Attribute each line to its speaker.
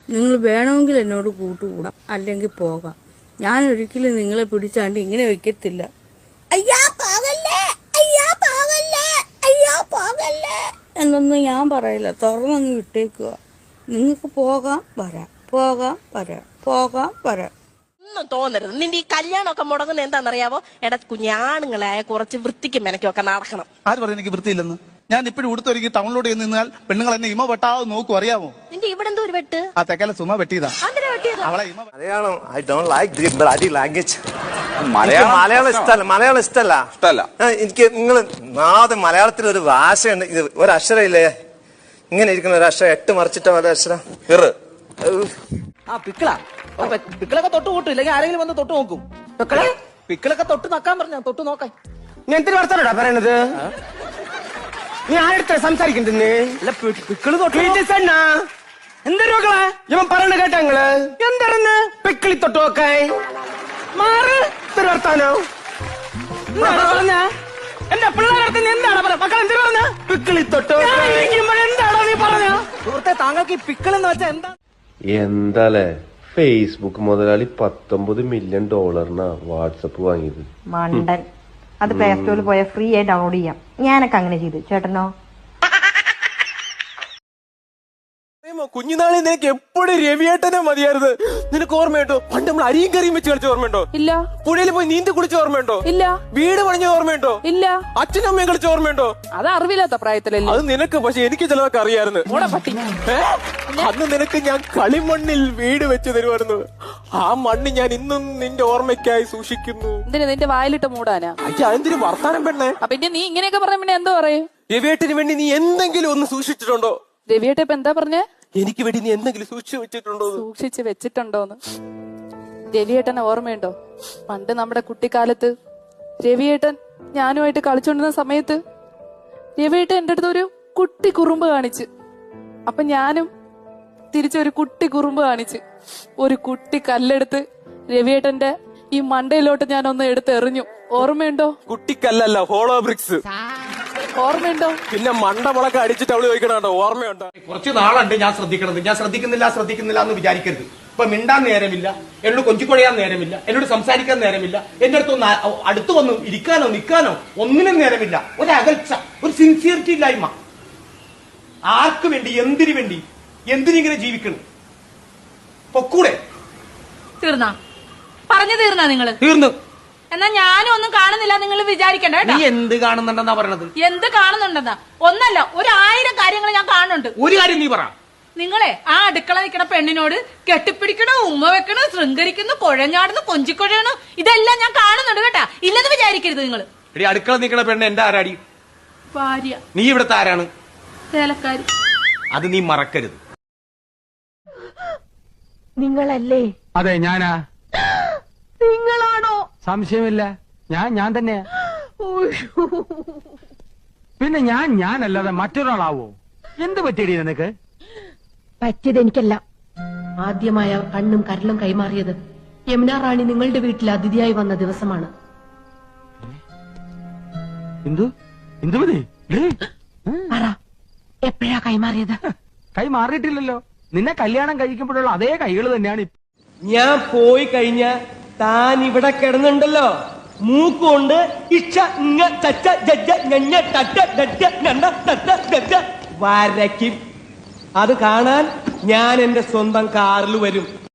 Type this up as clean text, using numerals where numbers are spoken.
Speaker 1: നിങ്ങൾ വേണമെങ്കിൽ എന്നോട് കൂട്ടുകൂടാം, അല്ലെങ്കിൽ പോകാം. ഞാൻ ഒരിക്കലും നിങ്ങളെ പിടിച്ചാണ്ട് ഇങ്ങനെ വെക്കത്തില്ല. അയ്യാ പോകല്ലേ, അയ്യാ പോകല്ലേ, അയ്യാ പോകല്ലേ എന്നൊന്നും ഞാൻ പറയില്ല. തുറന്നങ്ങ് വിട്ടേക്കുക. നിങ്ങൾക്ക് പോകാം വരാം, പോകാം വരാം, പോകാം വരാം.
Speaker 2: ഒന്നും തോന്നരുത്. നിന്റെ ഈ കല്യാണമൊക്കെ മുടങ്ങുന്ന എന്താണെന്നറിയാവോ? എടാ കുഞ്ഞാണുങ്ങളായ കുറച്ച് വൃത്തിക്കും മെനക്കൊക്കെ നടക്കണം.
Speaker 3: ആര് പറഞ്ഞു എനിക്ക് വൃത്തിയില്ലെന്ന്? ഞാൻ ഇപ്പോഴും ഉടുത്തൊരുക്കി ടൗണിലോട്ട് നിന്നാൽ പെണ്ണുങ്ങൾ എന്നെ ഇമ വെട്ടാതെ നോക്കും, അറിയാമോ?
Speaker 2: നിന്റെ ഇവിടെ എന്തോ ഒരു വെട്ട്?
Speaker 3: ആ തെക്കല സുമ വെട്ടിയതാ. അവളെ
Speaker 4: Malayalam I don't like the bloody language. Malayalam ഇഷ്ടല്ല. എനിക്ക് നിങ്ങൾ ആദ്യം മലയാളത്തിൽ ഒരു ഭാഷയുണ്ട്, ഇത് ഒരക്ഷരമില്ലേ ഇങ്ങനെ ഇരിക്കുന്ന ഒരു അക്ഷരം 8 മറിച്ചിട്ട ഒരു അക്ഷരം
Speaker 5: പിക്കിളൊക്കെ തൊട്ട് കൂട്ടും, ഇല്ലെങ്കിൽ ആരെങ്കിലും വന്ന് തൊട്ട് നോക്കും. പിക്കിളൊക്കെ തൊട്ട് നോക്കാൻ പറഞ്ഞ തൊട്ട് നോക്കാൻ.
Speaker 6: നീ എന്തിനു വർത്താനോടാ പറയണത്? നീ ആരെടുത്ത സംസാരിക്കണ്ടെന്ന്?
Speaker 5: പിക്കിള് തൊട്ട്
Speaker 6: എന്തൊരു മക്കളെ ഇവൻ പറയണ കേട്ടാ നിങ്ങള്? എന്താണെന്ന് പിക്കിളി തൊട്ട് നോക്കായി മാറ് വർത്താനോ പറഞ്ഞ എന്റെ പിള്ളേരടുത്ത് എന്താണ് മക്കൾ എന്തിനു പറഞ്ഞ പിക്കിളി തൊട്ട് എന്താണോ നീ പറഞ്ഞ?
Speaker 5: സുഹൃത്തെ, താങ്കൾക്ക് ഈ പിക്കിളെന്ന് വെച്ചാൽ എന്താ?
Speaker 7: എന്താലേ ഫേസ്ബുക്ക് മുതലാളി $19 മില്യൺ വാട്സപ്പ് വാങ്ങിയത്.
Speaker 8: മണ്ടൻ. അത് പ്ലേ സ്റ്റോറിൽ പോയാൽ ഫ്രീ ആയി ഡൗൺലോഡ് ചെയ്യാം. ഞാനൊക്കെ അങ്ങനെ ചെയ്തു. ചേട്ടനോ?
Speaker 6: കുഞ്ഞുനാളിൽ നിനക്ക് എപ്പോഴും രവിയേട്ടനെ മതിയായിരുന്നു. നിനക്ക് ഓർമ്മയുണ്ടോ പണ്ട് നമ്മൾ അരിയും കറിയും വെച്ച് കളിച്ച ഓർമ്മയുണ്ടോ?
Speaker 8: ഇല്ല.
Speaker 6: പുഴയിൽ പോയി നീന്തി കുളിച്ച ഓർമ്മയുണ്ടോ?
Speaker 8: ഇല്ല.
Speaker 6: വീട് പണിഞ്ഞ ഓർമ്മയുണ്ടോ?
Speaker 8: ഇല്ല.
Speaker 6: അച്ഛനും അമ്മയും കളിച്ച ഓർമ്മയുണ്ടോ?
Speaker 8: അത് അറിവില്ലാത്ത പ്രായത്തിലല്ലേ.
Speaker 6: അത് നിനക്ക്, പക്ഷെ എനിക്ക് ചിലതൊക്കെ അറിയായിരുന്നു. അന്ന് നിനക്ക് ഞാൻ കളിമണ്ണിൽ വീട് വെച്ച് തരുമായിരുന്നു. ആ മണ്ണ് ഞാൻ ഇന്നും നിന്റെ ഓർമ്മയ്ക്കായി സൂക്ഷിക്കുന്നു.
Speaker 8: നിന്റെ വായിലിട്ട് മൂടാനാ?
Speaker 6: അയ്യ, എന്തിനു വർത്താനം പെണ്ണേ?
Speaker 8: പിന്നെ നീ ഇങ്ങനെയൊക്കെ പറഞ്ഞ പിന്നെ എന്തോ പറയും?
Speaker 6: രവിയേട്ടന് വേണ്ടി നീ എന്തെങ്കിലും ഒന്ന് സൂക്ഷിച്ചിട്ടുണ്ടോ?
Speaker 8: രവിയേട്ട ഇപ്പൊ എന്താ പറഞ്ഞേ?
Speaker 6: എനിക്ക് വേണ്ടി നീ എന്തെങ്കിലും സൂക്ഷിച്ചു വെച്ചിട്ടുണ്ടോ?
Speaker 8: സൂക്ഷിച്ച് വെച്ചിട്ടുണ്ടോന്ന്? രവിയേട്ടനെ ഓർമ്മയുണ്ടോ? പണ്ട് നമ്മുടെ കുട്ടിക്കാലത്ത് രവിയേട്ടൻ ഞാനുമായിട്ട് കളിച്ചോണ്ടിരുന്ന സമയത്ത് രവിയേട്ടൻ എന്റെ അടുത്ത് ഒരു കുട്ടി കുറുമ്പ് കാണിച്ച്. അപ്പൊ ഞാനും തിരിച്ചൊരു കുട്ടി കുറുമ്പ് കാണിച്ച് ഒരു കുട്ടി കല്ലെടുത്ത് രവിയേട്ടന്റെ ഈ മണ്ടയിലോട്ട് ഞാൻ ഒന്ന് എടുത്ത് എറിഞ്ഞു. ഓർമ്മയുണ്ടോ?
Speaker 6: കുട്ടിക്കല്ലല്ല, ഹോളോ ബ്രിക്സ്.
Speaker 8: ഓർമ്മയുണ്ടോ?
Speaker 6: പിന്നെ മണ്ടമുളക്കെ അടിച്ചിട്ട് അവള് ചോദിക്കണോ ഓർമ്മയുണ്ടോ?
Speaker 9: കുറച്ച് നാളുണ്ട് ഞാൻ ശ്രദ്ധിക്കണത്. ഞാൻ ശ്രദ്ധിക്കുന്നില്ല എന്ന് വിചാരിക്കരുത്. ഇപ്പൊ മിണ്ടാൻ നേരമില്ല, എന്നോട് കൊഞ്ചിക്കൊഴയാൻ നേരമില്ല, എന്നോട് സംസാരിക്കാൻ നേരമില്ല, എന്റെ അടുത്തൊന്ന് അടുത്ത് വന്ന് ഇരിക്കാനോ നിൽക്കാനോ ഒന്നിനും നേരമില്ല. ഒരു അകൽച്ച, ഒരു സിൻസിയറിറ്റി ഇല്ലായ്മ. ആർക്ക് വേണ്ടി, എന്തിനു വേണ്ടി, എന്തിനിങ്ങനെ ജീവിക്കണം? പൊക്കൂടെ?
Speaker 8: തീർന്നാ നിങ്ങള്?
Speaker 9: തീർന്നു.
Speaker 8: എന്നാ ഞാനും ഒന്നും കാണുന്നില്ല നിങ്ങൾ വിചാരിക്കണ്ട.
Speaker 9: നീ എന്ത് കാണുന്നുണ്ടെന്നാ പറയണത്?
Speaker 8: എന്ത് കാണുന്നുണ്ടെന്നാ? ഒന്നല്ല, 1000 കാര്യങ്ങൾ ഞാൻ കാണുന്നുണ്ട്.
Speaker 9: ഒരു കാര്യം നീ പറ.
Speaker 8: നിങ്ങളെ ആ അടുക്കള നിൽക്കണ പെണ്ണിനോട് കെട്ടിപ്പിടിക്കണോ, ഉമ്മ വെക്കണോ, ശൃംഗരിക്കുന്നു, കുഴഞ്ഞാടുന്നു, കൊഞ്ചിക്കൊഴയണോ, ഇതെല്ലാം ഞാൻ കാണുന്നുണ്ട് കേട്ടാ. ഇല്ലെന്ന് വിചാരിക്കരുത് നിങ്ങൾ.
Speaker 9: എടി, അടുക്കള നിൽക്കണ പെണ്ണ് എന്റെ ആരാടി?
Speaker 8: ഭാര്യ.
Speaker 9: നീ ഇവിടുത്തെ ആരാണ്?
Speaker 8: ചേലക്കാരി.
Speaker 9: അത് നീ മറക്കരുത്.
Speaker 8: നിങ്ങളല്ലേ?
Speaker 6: അതെ, ഞാനാ.
Speaker 8: നിങ്ങളാണോ?
Speaker 6: സംശയമില്ല, ഞാൻ തന്നെയാ. പിന്നെ ഞാനല്ലാതെ മറ്റൊരാളാവോ? എന്ത് പറ്റിയടി നിനക്ക്?
Speaker 10: പറ്റിയത് എനിക്കല്ല. ആദ്യമായ കണ്ണും കരലും കൈമാറിയത് യമുന റാണി നിങ്ങളുടെ വീട്ടിൽ അതിഥിയായി വന്ന ദിവസമാണ്. പറ, എപ്പോഴാ കൈമാറിയത്?
Speaker 6: കൈമാറിയിട്ടില്ലല്ലോ. നിന്നെ കല്യാണം കഴിക്കുമ്പോഴുള്ള അതേ കൈകൾ തന്നെയാണ്.
Speaker 5: ഞാൻ പോയി കഴിഞ്ഞ താൻ ഇവിടെ കിടന്നുണ്ടല്ലോ, മൂക്കുകൊണ്ട് വരയ്ക്കും. അത് കാണാൻ ഞാൻ എന്റെ സ്വന്തം കാറിൽ വരും.